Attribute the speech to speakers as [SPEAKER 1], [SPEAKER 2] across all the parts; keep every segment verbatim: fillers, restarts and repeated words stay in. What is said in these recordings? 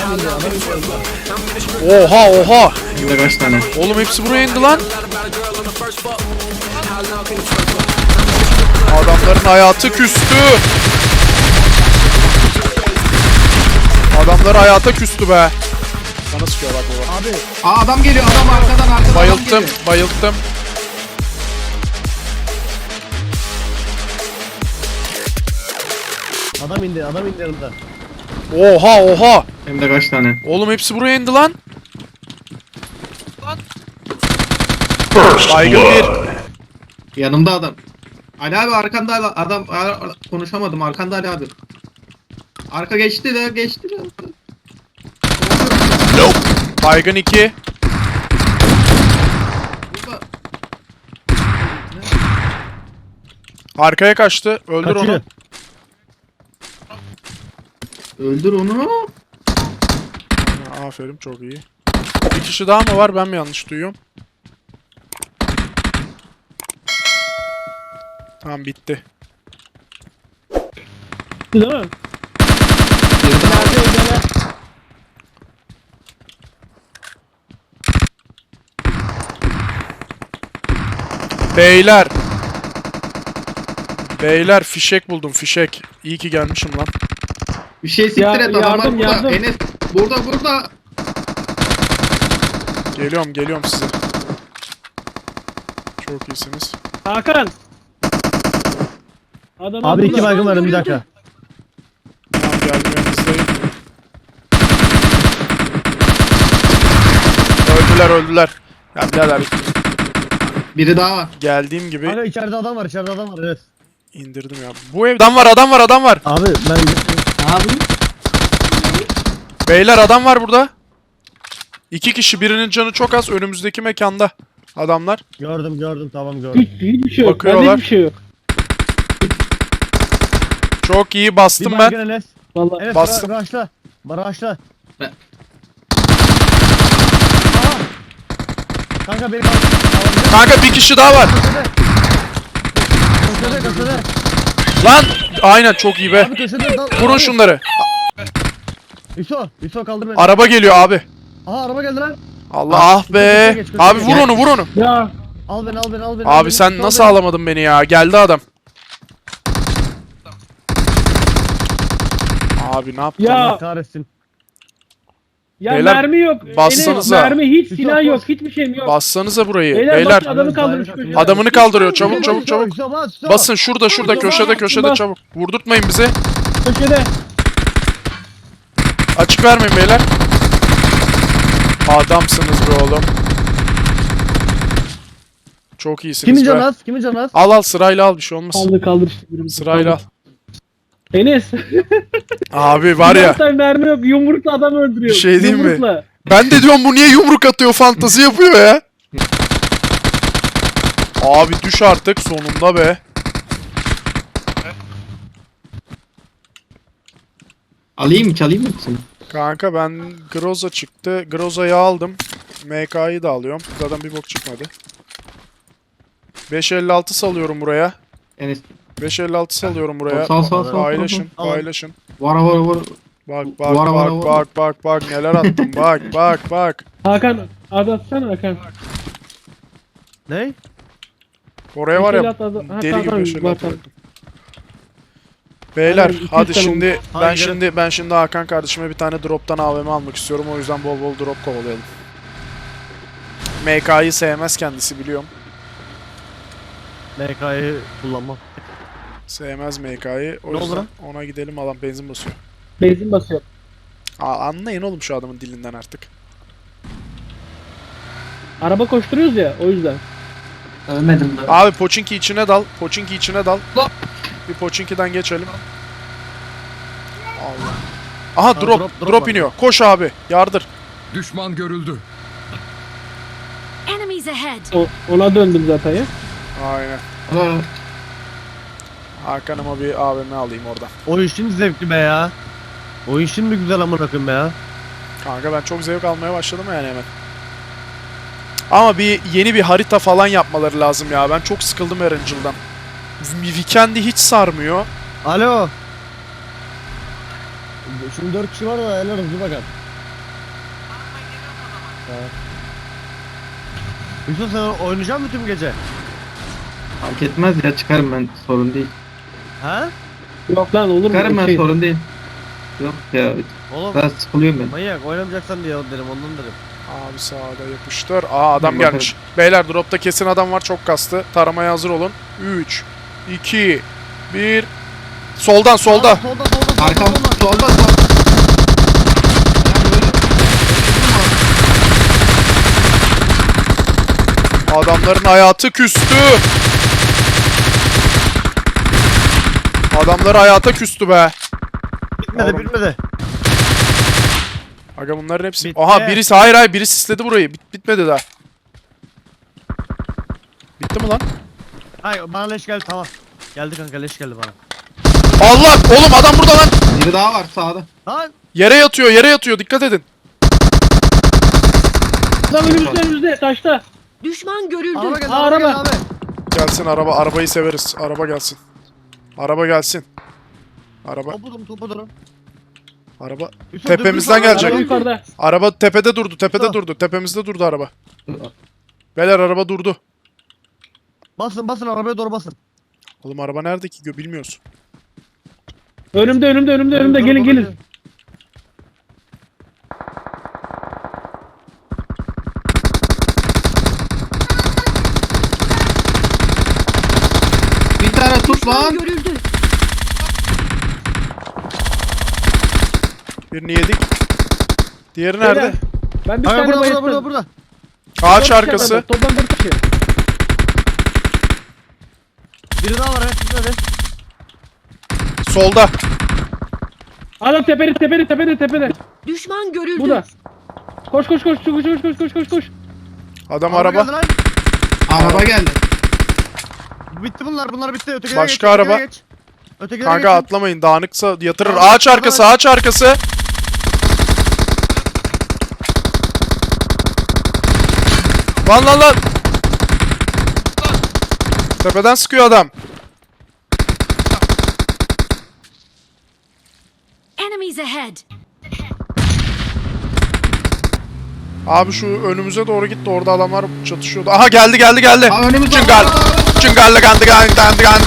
[SPEAKER 1] Oha oha.
[SPEAKER 2] Burada kaç tane?
[SPEAKER 1] Oğlum hepsi buraya indi lan. Adamların hayatı küstü. Adamlar hayata küstü be. Bana sıkıyor bak baba.
[SPEAKER 3] Abi
[SPEAKER 2] Aa adam geliyor, adam arkadan arkadan adam
[SPEAKER 1] Bayılttım,
[SPEAKER 2] geliyor.
[SPEAKER 1] bayılttım.
[SPEAKER 3] adam indi adam indi yanımda.
[SPEAKER 1] Oha oha.
[SPEAKER 2] Hem de kaç tane?
[SPEAKER 1] Oğlum hepsi buraya indi lan. Baygın bir.
[SPEAKER 2] Yanımda adam. Ali abi arkanda adam, adam ar- konuşamadım, arkanda Ali abi. Arka geçti de geçti de.
[SPEAKER 1] Baygın iki.
[SPEAKER 2] Burada.
[SPEAKER 1] Arkaya kaçtı. Öldür
[SPEAKER 3] Kaçıyor.
[SPEAKER 1] onu.
[SPEAKER 2] Öldür onu.
[SPEAKER 1] Ha, aferin çok iyi. Bir kişi daha mı var? Ben mi yanlış duyuyorum? Tamam bitti.
[SPEAKER 4] Değil mi?
[SPEAKER 2] Bir daha.
[SPEAKER 1] Beyler. Beyler fişek buldum fişek. İyi ki gelmişim lan.
[SPEAKER 2] Bir şey siktir
[SPEAKER 4] Ya-
[SPEAKER 2] et, adamlar
[SPEAKER 4] yardım,
[SPEAKER 2] burada.
[SPEAKER 4] yardım.
[SPEAKER 2] Enes burada burada.
[SPEAKER 1] Geliyorum geliyorum size. Çok iyisiniz.
[SPEAKER 4] Hakan. Adam
[SPEAKER 3] Abi iki
[SPEAKER 4] burada.
[SPEAKER 3] baygın var bir dakika.
[SPEAKER 1] Tamam geldim yanınızdayım. Öldüler öldüler. Ya birader
[SPEAKER 2] Biri daha var.
[SPEAKER 1] geldiğim gibi
[SPEAKER 3] Kanka içeride adam var içeride adam var evet.
[SPEAKER 1] indirdim ya. Bu ev adam var adam var adam var.
[SPEAKER 3] Abi ben
[SPEAKER 2] Abi.
[SPEAKER 1] Beyler adam var burada. İki kişi birinin canı çok az önümüzdeki mekanda. Adamlar.
[SPEAKER 3] gördüm gördüm tamam gördüm.
[SPEAKER 4] Hiç, hiçbir şey yok. Bende
[SPEAKER 1] Bakıyorlar.
[SPEAKER 4] hiçbir şey yok.
[SPEAKER 1] Çok iyi
[SPEAKER 3] Bir
[SPEAKER 1] bastım ben.
[SPEAKER 3] baygın Enes.
[SPEAKER 4] Vallahi.
[SPEAKER 3] Enes
[SPEAKER 1] Bastım.
[SPEAKER 3] ra- raşla. Raşla.
[SPEAKER 2] Ben-
[SPEAKER 3] Aa! Kanka beni kaldır.
[SPEAKER 1] Kanka bir kişi daha var.
[SPEAKER 3] Köşede köşede.
[SPEAKER 1] Lan aynen çok iyi be.
[SPEAKER 3] Abi köşede. dal-
[SPEAKER 1] Vurun
[SPEAKER 3] abi.
[SPEAKER 1] şunları.
[SPEAKER 3] Hüso. Hüso kaldır beni.
[SPEAKER 1] Araba geliyor abi.
[SPEAKER 3] Aha araba geldi lan.
[SPEAKER 1] Allah ah be.
[SPEAKER 3] Köşeye geç, köşeye
[SPEAKER 1] Abi
[SPEAKER 3] geç.
[SPEAKER 1] vur onu vur onu.
[SPEAKER 4] Ya.
[SPEAKER 3] Al beni al beni al beni. al
[SPEAKER 1] Abi
[SPEAKER 3] beni.
[SPEAKER 1] sen
[SPEAKER 3] Hüso,
[SPEAKER 1] nasıl
[SPEAKER 3] al beni.
[SPEAKER 1] alamadın beni ya? Geldi adam. Abi ne yaptın?
[SPEAKER 4] Ya.
[SPEAKER 3] Allah kahretsin.
[SPEAKER 4] Ya
[SPEAKER 1] Beyler,
[SPEAKER 4] mermi yok.
[SPEAKER 1] bassanıza.
[SPEAKER 4] Enes, mermi hiç
[SPEAKER 3] Hüso,
[SPEAKER 4] silah
[SPEAKER 3] koş.
[SPEAKER 4] yok. Hiçbir şeyim yok.
[SPEAKER 1] Bassanıza burayı.
[SPEAKER 4] Beyler,
[SPEAKER 1] Beyler.
[SPEAKER 4] basın, adamı kaldırın şu köşeye.
[SPEAKER 1] Adamını kaldırıyor. Çabuk
[SPEAKER 3] Hüso,
[SPEAKER 1] çabuk
[SPEAKER 3] Hüso,
[SPEAKER 1] çabuk.
[SPEAKER 3] Hüso, bas, Hüso.
[SPEAKER 1] Basın şurada şurada
[SPEAKER 4] Hüso,
[SPEAKER 1] köşede
[SPEAKER 4] bas,
[SPEAKER 1] köşede
[SPEAKER 4] bas.
[SPEAKER 1] çabuk. Vurdurtmayın bizi.
[SPEAKER 4] Köşede.
[SPEAKER 1] Açık vermeyin beyler. Adamsınız be oğlum. Çok iyisiniz
[SPEAKER 3] Kimin
[SPEAKER 1] be.
[SPEAKER 3] canı az? Kimin canı az?
[SPEAKER 1] Al al sırayla al bir şey olmaz.
[SPEAKER 4] Kaldır kaldır işte. birimizi.
[SPEAKER 1] Sırayla al.
[SPEAKER 4] Kaldır. Enes.
[SPEAKER 1] Abi var ya.
[SPEAKER 4] Bir mermi yok. Yumrukla adam öldürüyor.
[SPEAKER 1] Bir şey diyeyim mi?
[SPEAKER 4] Yumrukla.
[SPEAKER 1] Ben de diyorum bu niye yumruk atıyor fantazi yapıyor ya. Abi düş artık sonunda be.
[SPEAKER 2] Alayım mı, çalayım mı seni?
[SPEAKER 1] Kanka ben Groza çıktı. Groza'yı aldım. M K'yı da alıyorum. Zaten bir bok çıkmadı. beş elli altı salıyorum buraya.
[SPEAKER 2] Enes.
[SPEAKER 1] beş elli altı salıyorum buraya.
[SPEAKER 2] Sal sal sal.
[SPEAKER 1] Paylaşın,
[SPEAKER 3] Al.
[SPEAKER 1] paylaşın.
[SPEAKER 2] Var var var.
[SPEAKER 1] Bak bak
[SPEAKER 2] Vara, vara,
[SPEAKER 1] bak
[SPEAKER 2] vara.
[SPEAKER 1] bak bak bak neler attım. Bak bak bak.
[SPEAKER 4] Hakan. Adı atsana Hakan.
[SPEAKER 3] Ne?
[SPEAKER 1] Oraya var ya
[SPEAKER 4] Beş elli altı adı- ha,
[SPEAKER 1] deli
[SPEAKER 4] tamam,
[SPEAKER 1] gibi beş elli
[SPEAKER 4] var,
[SPEAKER 1] altı
[SPEAKER 4] tamam.
[SPEAKER 1] attım. Beyler
[SPEAKER 4] Aynen, iki
[SPEAKER 1] hadi
[SPEAKER 4] yüz tane
[SPEAKER 1] şimdi ben
[SPEAKER 3] Hayır.
[SPEAKER 1] şimdi ben şimdi Hakan kardeşime bir tane drop'tan A V M almak istiyorum. O yüzden bol bol drop kovalayalım. M K'yı sevmez kendisi biliyorum.
[SPEAKER 3] M K'yı kullanmam.
[SPEAKER 1] Sevmez M K'yı. O
[SPEAKER 3] Ne oldu
[SPEAKER 1] yüzden
[SPEAKER 3] lan?
[SPEAKER 1] ona gidelim adam benzin basıyor.
[SPEAKER 4] Benzin basıyor.
[SPEAKER 1] Aa, anlayın oğlum şu adamın dilinden artık.
[SPEAKER 4] Araba koşturuyoruz ya o yüzden.
[SPEAKER 2] Ölmedim ben.
[SPEAKER 1] Abi Pochinki içine dal. Pochinki içine dal.
[SPEAKER 2] Lan.
[SPEAKER 1] Bir Pochinki'den geçelim. Allah. Aha
[SPEAKER 3] Ha,
[SPEAKER 1] drop,
[SPEAKER 3] drop,
[SPEAKER 1] drop,
[SPEAKER 3] drop var.
[SPEAKER 1] iniyor. Koş abi. Yardır.
[SPEAKER 5] Düşman görüldü.
[SPEAKER 6] Enemies ahead.
[SPEAKER 4] O, ona döndüm zaten ya.
[SPEAKER 1] Aynen.
[SPEAKER 2] Aa,
[SPEAKER 1] Hakan'ıma bir A V M alayım oradan.
[SPEAKER 3] O işin zevkli be ya. O işin mi güzel amına koyayım be ya.
[SPEAKER 1] Kanka ben çok zevk almaya başladım yani hemen. Ama bir yeni bir harita falan yapmaları lazım ya. Ben çok sıkıldım Erangel'dan. Weekend'i hiç sarmıyor.
[SPEAKER 3] Alo. Şimdi dört kişi var da helal hızlı bakar. Yusuf sen oynayacak mısın tüm gece?
[SPEAKER 2] Fark etmez ya, çıkarım ben, sorun değil.
[SPEAKER 3] Ha?
[SPEAKER 4] Yok lan olur mu?
[SPEAKER 2] Çıkarım ben,
[SPEAKER 4] Şey,
[SPEAKER 2] sorun değil. Yok ya,
[SPEAKER 3] Oğlum
[SPEAKER 2] biraz sıkılıyorum ben.
[SPEAKER 3] manyak oynamayacaksan diye dedim ondan dedim.
[SPEAKER 1] Abi sağda yapıştır. Aa adam
[SPEAKER 2] Bir
[SPEAKER 1] gelmiş. Beyler dropta kesin adam var, çok kastı. Taramaya hazır olun. üç, iki, bir. Soldan solda.
[SPEAKER 3] Aa, solda solda solda.
[SPEAKER 2] Arkam
[SPEAKER 3] solda.
[SPEAKER 2] solda solda.
[SPEAKER 1] Adamların hayatı küstü. Adamlar hayata küstü be.
[SPEAKER 3] Bitmedi
[SPEAKER 1] Oğlum.
[SPEAKER 3] bitmedi.
[SPEAKER 1] Aga bunların hepsi.
[SPEAKER 3] Bitti.
[SPEAKER 1] Aha birisi, hayır hayır birisi sisledi burayı. Bit bitmedi daha. Bitti mi lan?
[SPEAKER 3] Hayır bana leş geldi tamam. Geldi kanka leş geldi bana.
[SPEAKER 1] Allah! Oğlum adam burada lan.
[SPEAKER 2] Biri daha var sağda.
[SPEAKER 3] Lan
[SPEAKER 1] Yere yatıyor, yere yatıyor. Dikkat edin.
[SPEAKER 4] Adam önümüzde önümüzde taşta.
[SPEAKER 5] Düşman görüldü.
[SPEAKER 3] araba geldi
[SPEAKER 4] Aa,
[SPEAKER 3] araba geldi
[SPEAKER 4] araba.
[SPEAKER 3] abi.
[SPEAKER 1] Gelsin araba. Arabayı severiz. Araba gelsin. Araba gelsin. Araba.
[SPEAKER 3] Topu durun topu durun.
[SPEAKER 1] Araba.
[SPEAKER 3] Yusuf,
[SPEAKER 1] Tepemizden
[SPEAKER 3] dur, dur, dur,
[SPEAKER 1] gelecek.
[SPEAKER 4] Araba
[SPEAKER 3] dur, dur.
[SPEAKER 4] yukarıda.
[SPEAKER 1] Araba tepede durdu. Tepede
[SPEAKER 3] Tamam.
[SPEAKER 1] durdu. Tepemizde durdu araba. Beyler araba durdu.
[SPEAKER 3] Basın basın arabaya doğru basın.
[SPEAKER 1] Oğlum araba nerede ki? Gö- Bilmiyoruz.
[SPEAKER 4] Önümde önümde önümde önümde
[SPEAKER 3] Doğru,
[SPEAKER 4] gelin
[SPEAKER 3] doğru,
[SPEAKER 4] gelin.
[SPEAKER 3] doğru.
[SPEAKER 2] Bir tane tut
[SPEAKER 5] Düşman
[SPEAKER 2] lan.
[SPEAKER 5] görüldü.
[SPEAKER 1] Birini yedik. Diğeri
[SPEAKER 4] Beyler,
[SPEAKER 1] nerede?
[SPEAKER 4] Ben bir
[SPEAKER 3] Hayır
[SPEAKER 4] tane
[SPEAKER 3] burada burada
[SPEAKER 4] bayılttım.
[SPEAKER 3] burada burada.
[SPEAKER 1] Ağaç
[SPEAKER 4] Dört kişi
[SPEAKER 1] arkası.
[SPEAKER 4] adamlar, Toplam dört kişi.
[SPEAKER 3] Biri daha var evet bitmedi.
[SPEAKER 1] Solda.
[SPEAKER 4] Adam tepede tepede tepede tepede.
[SPEAKER 5] Düşman görüldü.
[SPEAKER 4] Bu da. Koş koş koş koş koş koş koş koş koş.
[SPEAKER 1] Adam araba.
[SPEAKER 3] geldi lan.
[SPEAKER 2] Araba geldi.
[SPEAKER 3] Bitti bunlar bunlar bitti. Ötekilere
[SPEAKER 1] Başka
[SPEAKER 3] geç, ötekilere
[SPEAKER 1] araba.
[SPEAKER 3] geç. Ötekilere
[SPEAKER 1] Kanka
[SPEAKER 3] geçin.
[SPEAKER 1] atlamayın. Dağınıksa yatırır.
[SPEAKER 3] Tamam,
[SPEAKER 1] Ağaç
[SPEAKER 3] tamam.
[SPEAKER 1] arkası. Ağaç arkası. Lan lan lan. Tepeden sıkıyor adam.
[SPEAKER 5] Enemies ahead.
[SPEAKER 1] Abi şu önümüze doğru gitti. Orada adamlar çatışıyordu. Aha geldi geldi geldi.
[SPEAKER 2] Aa, önümüzde.
[SPEAKER 1] Çıngal. Çıngallı gandı gandı gandı gandı.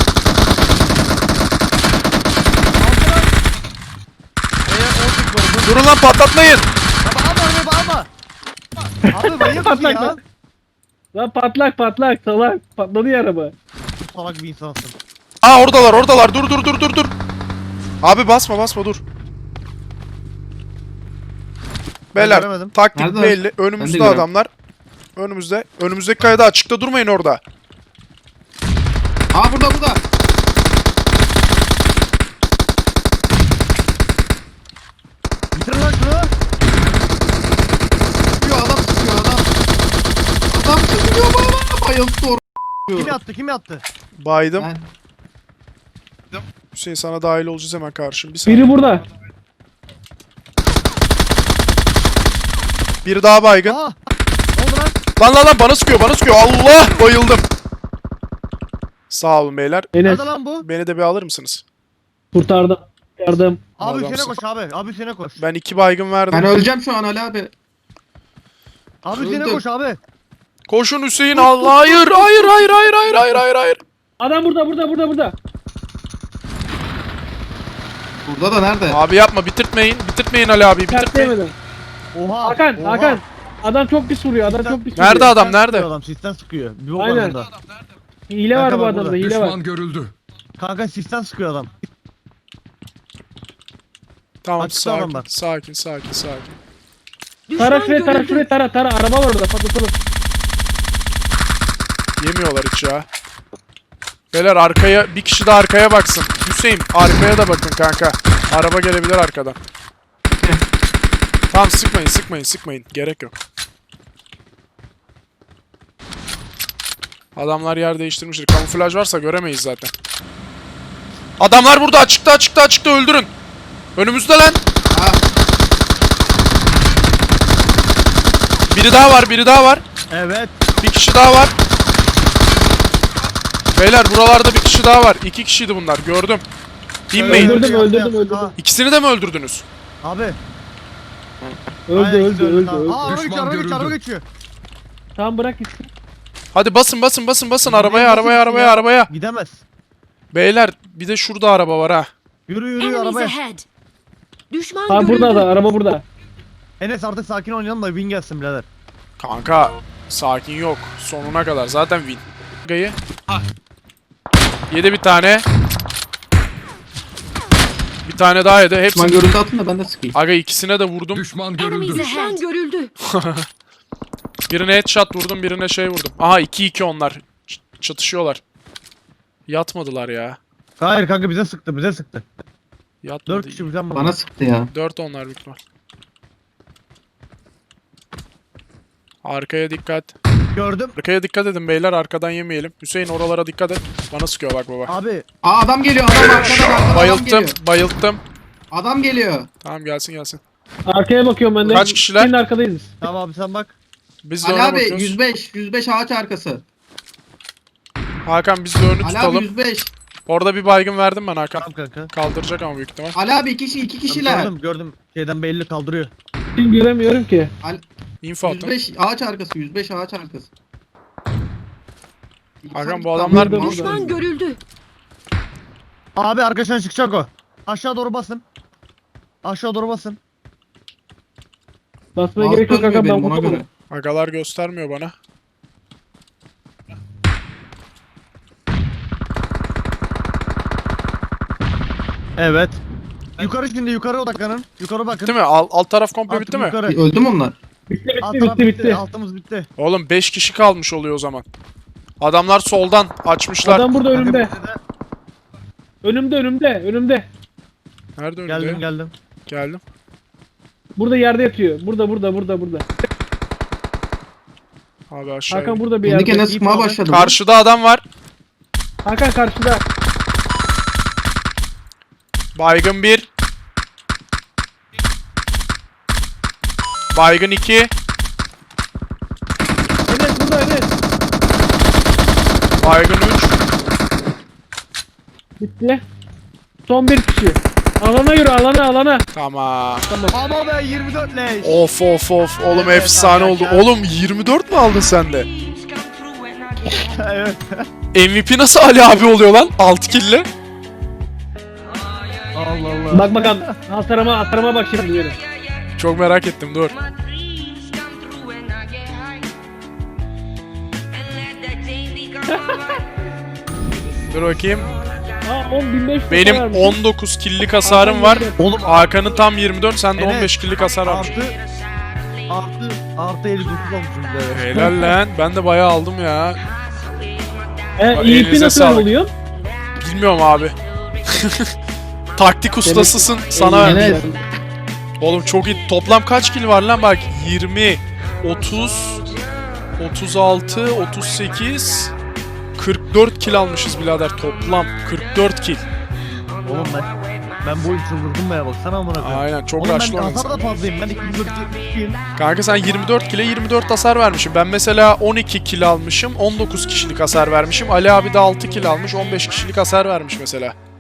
[SPEAKER 3] Eğer on sekiz oldu.
[SPEAKER 1] Durun lan patlatmayın.
[SPEAKER 3] Baba abi arabayı bağırma. Abi manyak mısın
[SPEAKER 4] Patlak
[SPEAKER 3] ya?
[SPEAKER 4] lan. Lan patlak patlak salak. Patladı ya araba.
[SPEAKER 3] Salak bir insansın.
[SPEAKER 1] Aa oradalar oradalar. Dur dur dur dur dur. Abi basma basma dur. Beyler
[SPEAKER 3] göremedim.
[SPEAKER 1] taktik
[SPEAKER 2] Nerede?
[SPEAKER 1] belli.
[SPEAKER 2] Ben de
[SPEAKER 1] Önümüzde
[SPEAKER 2] göremedim.
[SPEAKER 1] adamlar. Önümüzde. Önümüzdeki kayada açıkta durmayın orada.
[SPEAKER 2] Aa burada burada.
[SPEAKER 3] Bitirin lan şunu.
[SPEAKER 2] Sıkıyor adam, sıkıyor adam. Adam sıkıyor bana. Bayıldı or.
[SPEAKER 3] Kim yattı kim yattı?
[SPEAKER 1] Baydım.
[SPEAKER 2] Ben
[SPEAKER 1] Hüseyin sana dahil olacağız hemen karşım. Bir saniye.
[SPEAKER 4] Biri burada.
[SPEAKER 1] Biri daha baygın.
[SPEAKER 3] Aa. Ne oldu lan?
[SPEAKER 1] Lan lan lan bana sıkıyor bana sıkıyor. Allah bayıldım. Sağ olun beyler.
[SPEAKER 4] Enes
[SPEAKER 3] Nerede lan bu?
[SPEAKER 1] Beni de bir alır mısınız?
[SPEAKER 4] kurtardım. Kurtardım.
[SPEAKER 3] Abi
[SPEAKER 1] Adamsın.
[SPEAKER 3] Hüseyin'e koş abi. Abi Hüseyin'e koş.
[SPEAKER 1] Ben iki baygın verdim.
[SPEAKER 2] ben öleceğim şu an Ali abi.
[SPEAKER 3] Abi Hüseyin'e
[SPEAKER 2] öldüm.
[SPEAKER 3] koş abi.
[SPEAKER 1] Koşun Hüseyin Allah. Hayır hayır hayır hayır hayır hayır hayır hayır.
[SPEAKER 4] Adam burada burada burada burada.
[SPEAKER 2] Burada da nerede?
[SPEAKER 1] Abi yapma bitirtmeyin. Bitirtmeyin Ali abi bitirtmeyin.
[SPEAKER 4] Sertleyemedim.
[SPEAKER 3] Oha.
[SPEAKER 4] Hakan
[SPEAKER 3] oha.
[SPEAKER 4] Hakan. Adam çok pis vuruyor. Adam çok pis vuruyor.
[SPEAKER 1] Nerede adam
[SPEAKER 3] Sistem
[SPEAKER 1] nerede?
[SPEAKER 3] sıkıyor Adam sistem sıkıyor. Bir bok
[SPEAKER 4] Aynen.
[SPEAKER 3] var bunda.
[SPEAKER 4] Hile var
[SPEAKER 3] Kanka
[SPEAKER 4] bu
[SPEAKER 3] bak
[SPEAKER 4] adamda.
[SPEAKER 3] burada.
[SPEAKER 4] Hile var.
[SPEAKER 6] Düşman görüldü.
[SPEAKER 3] Kanka sistem sıkıyor adam.
[SPEAKER 1] Tamam
[SPEAKER 3] Açıkta adam
[SPEAKER 1] sakin,
[SPEAKER 3] var.
[SPEAKER 1] sakin sakin sakin.
[SPEAKER 5] Düşman
[SPEAKER 4] Tara şuraya tara
[SPEAKER 5] görüldü.
[SPEAKER 4] şuraya tara tara. Araba var orada patlatalım.
[SPEAKER 1] Yemiyorlar hiç ya. Beyler arkaya bir kişi de arkaya baksın. Hüseyin arkaya da bakın kanka. Araba gelebilir arkadan. Tamam sıkmayın sıkmayın sıkmayın. Gerek yok. Adamlar yer değiştirmiştir. Kamuflaj varsa göremeyiz zaten. Adamlar burada açıkta açıkta açıkta öldürün. Önümüzde lan.
[SPEAKER 2] Ha,
[SPEAKER 1] Biri daha var biri daha var.
[SPEAKER 3] Evet.
[SPEAKER 1] Bir kişi daha var. Beyler buralarda bir kişi daha var. İki kişiydi bunlar gördüm. İnmeyin.
[SPEAKER 4] Öldürdüm,
[SPEAKER 3] Yaptı,
[SPEAKER 4] öldürdüm,
[SPEAKER 3] yaptı.
[SPEAKER 4] öldürdüm.
[SPEAKER 3] Ha,
[SPEAKER 1] İkisini de mi öldürdünüz?
[SPEAKER 3] Abi.
[SPEAKER 4] Öldü
[SPEAKER 3] Aynen,
[SPEAKER 4] öldü
[SPEAKER 3] ikisi
[SPEAKER 4] öldü
[SPEAKER 3] tamam.
[SPEAKER 4] öldü.
[SPEAKER 3] Aa araba geçiyor, araba
[SPEAKER 6] Düşman
[SPEAKER 3] geçiyor, araba
[SPEAKER 6] görüldü.
[SPEAKER 3] geçiyor.
[SPEAKER 4] Tamam bırak gitsin.
[SPEAKER 1] Hadi basın basın basın basın arabaya
[SPEAKER 3] Nasıl
[SPEAKER 1] arabaya
[SPEAKER 3] gitsin
[SPEAKER 1] arabaya
[SPEAKER 3] ya?
[SPEAKER 1] arabaya.
[SPEAKER 3] Gidemez.
[SPEAKER 1] Beyler bir de şurada araba var ha.
[SPEAKER 3] Yürü yürü
[SPEAKER 5] Enemies
[SPEAKER 3] arabaya.
[SPEAKER 5] ahead. Düşman
[SPEAKER 4] Ha
[SPEAKER 5] görüldü.
[SPEAKER 4] burada da araba burada.
[SPEAKER 3] Enes artık sakin oynayalım da win gelsin birader.
[SPEAKER 1] Kanka sakin yok. Sonuna kadar zaten win. Gayı. Yedi bir tane. Bir tane daha yedi.
[SPEAKER 2] Düşman
[SPEAKER 1] Hepsi.
[SPEAKER 2] görüntü atın da ben de sıkayım.
[SPEAKER 1] Aga ikisine de vurdum.
[SPEAKER 6] Düşman
[SPEAKER 5] Enemies
[SPEAKER 6] görüldü.
[SPEAKER 5] ahead. Düşman görüldü.
[SPEAKER 1] Birine headshot vurdum, birine şey vurdum. Aha iki iki onlar. Ç- çatışıyorlar. Yatmadılar ya.
[SPEAKER 3] Hayır kanka bize sıktı, bize sıktı.
[SPEAKER 1] Yatmadı.
[SPEAKER 3] Dört kişi bizden
[SPEAKER 2] Bana sıktı ya.
[SPEAKER 1] Dört onlar büyük ihtimal. Arkaya dikkat.
[SPEAKER 3] Gördüm.
[SPEAKER 1] Arkaya dikkat edin beyler, arkadan yemeyelim. Hüseyin oralara dikkat et. Bana sıkıyor bak baba.
[SPEAKER 3] Abi
[SPEAKER 2] Aa adam geliyor, adam arkadan arkadan adam
[SPEAKER 1] Bayılttım,
[SPEAKER 2] geliyor.
[SPEAKER 1] bayılttım.
[SPEAKER 2] Adam geliyor.
[SPEAKER 1] Tamam gelsin gelsin.
[SPEAKER 4] Arkaya bakıyorum ben de.
[SPEAKER 1] Kaç kişiler?
[SPEAKER 4] Senin arkadayız biz.
[SPEAKER 3] tamam abi sen bak.
[SPEAKER 1] Biz de
[SPEAKER 2] Ali
[SPEAKER 1] ona
[SPEAKER 2] abi
[SPEAKER 1] bakıyoruz.
[SPEAKER 2] yüz beş, yüz beş ağaç arkası.
[SPEAKER 1] Hakan biz de önü
[SPEAKER 2] Ali abi
[SPEAKER 1] tutalım.
[SPEAKER 2] yüz beş.
[SPEAKER 1] Orada bir baygın verdim ben Hakan.
[SPEAKER 3] Tamam kanka.
[SPEAKER 1] Kaldıracak ama büyük ihtimal.
[SPEAKER 2] Ali abi iki kişi, iki kişiler.
[SPEAKER 3] Gördüm gördüm. Şeyden belli kaldırıyor.
[SPEAKER 4] Şimdi göremiyorum ki.
[SPEAKER 1] Info
[SPEAKER 2] yüz
[SPEAKER 1] attım.
[SPEAKER 2] beş ağaç arkası, yüz beş ağaç arkası.
[SPEAKER 1] Hakan, bu adamlar-
[SPEAKER 4] Burada,
[SPEAKER 5] Düşman
[SPEAKER 4] burada.
[SPEAKER 5] görüldü.
[SPEAKER 3] Abi arkadaşlar çıkacak o. Aşağı doğru basın. Aşağı doğru basın.
[SPEAKER 4] Basmaya
[SPEAKER 2] Ağız
[SPEAKER 4] gerek yok
[SPEAKER 2] dönmüyor
[SPEAKER 4] kanka ben
[SPEAKER 2] benim, ona
[SPEAKER 4] vurdum.
[SPEAKER 2] göre.
[SPEAKER 1] Agalar göstermiyor bana.
[SPEAKER 3] Evet. Yukarı şimdi yukarı odaklanın. Yukarı bakın.
[SPEAKER 1] Bitti mi? Alt, alt taraf komple
[SPEAKER 3] Artık
[SPEAKER 1] bitti mi?
[SPEAKER 3] yukarı.
[SPEAKER 2] Öldü mü onlar?
[SPEAKER 4] Bitti
[SPEAKER 3] Alt
[SPEAKER 4] bitti
[SPEAKER 3] taraf
[SPEAKER 4] bitti bitti.
[SPEAKER 3] Altımız bitti.
[SPEAKER 1] Oğlum beş kişi kalmış oluyor o zaman. Adamlar soldan açmışlar.
[SPEAKER 4] Adam burada önümde.
[SPEAKER 3] Kanka, bize de-
[SPEAKER 4] Önümde önümde önümde.
[SPEAKER 1] Nerede önünde?
[SPEAKER 3] Geldim geldim.
[SPEAKER 1] Geldim.
[SPEAKER 4] Burada yerde yatıyor. Burada burada burada burada.
[SPEAKER 1] Abi aşağı.
[SPEAKER 4] Hakan
[SPEAKER 1] in.
[SPEAKER 4] burada bir
[SPEAKER 2] Kendi
[SPEAKER 4] yerde.
[SPEAKER 2] kendine
[SPEAKER 3] İyi
[SPEAKER 2] sıkmaya
[SPEAKER 3] abi.
[SPEAKER 2] başladı.
[SPEAKER 1] Karşıda adam var.
[SPEAKER 4] Hakan karşıda.
[SPEAKER 1] Baygın bir. Baygın iki.
[SPEAKER 4] Evet burada evet.
[SPEAKER 1] Baygın üç.
[SPEAKER 4] Bitti. Son bir kişi. Alana yürü alana alana.
[SPEAKER 1] Tamam.
[SPEAKER 3] Ama be yirmi dört leş.
[SPEAKER 1] Of of of. Oğlum
[SPEAKER 3] Evet,
[SPEAKER 1] efsane oldu.
[SPEAKER 3] arkadaşlar.
[SPEAKER 1] Oğlum yirmi dört mü aldın sen de?
[SPEAKER 3] Evet.
[SPEAKER 1] M V P nasıl Ali abi oluyor lan? altı kill'le.
[SPEAKER 3] Allah Allah.
[SPEAKER 4] Bak bakalım. Hasarıma hasarıma bak şimdi benim.
[SPEAKER 1] Çok merak ettim dur. Dur bakayım.
[SPEAKER 4] Aa on bin beş yüz
[SPEAKER 1] Benim
[SPEAKER 4] vermiş.
[SPEAKER 1] on dokuz kill'lik hasarım var.
[SPEAKER 3] Oğlum
[SPEAKER 1] Hakan'ın tam yirmi dört, sende
[SPEAKER 3] Enes,
[SPEAKER 1] on beş kill'lik hasar varmış.
[SPEAKER 3] Artı artı artı elli dokuz olmuşum birader.
[SPEAKER 1] Helal lan. Ben de bayağı aldım ya.
[SPEAKER 4] E, iyi
[SPEAKER 1] Elinize
[SPEAKER 4] nasıl
[SPEAKER 1] sağlık.
[SPEAKER 4] oluyor?
[SPEAKER 1] Bilmiyorum abi. Taktik ustasısın. Sana
[SPEAKER 4] Eline-
[SPEAKER 1] verdim. Oğlum çok iyi. Toplam kaç kill var lan bak. yirmi, otuz, otuz altı, otuz sekiz, kırk dört kill almışız birader toplam. kırk dört kill.
[SPEAKER 3] Oğlum ben ben bu oyun çıldırdım be ya baksana amına koyayım.
[SPEAKER 1] Aynen çok
[SPEAKER 3] Oğlum ben
[SPEAKER 1] rushlı oynadın
[SPEAKER 3] hasar
[SPEAKER 1] sen.
[SPEAKER 3] da fazlayım. Ben iki yüz kırk
[SPEAKER 1] Kanka sen yirmi dört kill'e yirmi dört hasar vermişim. Ben mesela on iki kill almışım. on dokuz kişilik hasar vermişim. Ali abi de altı kill almış. on beş kişilik hasar vermiş mesela.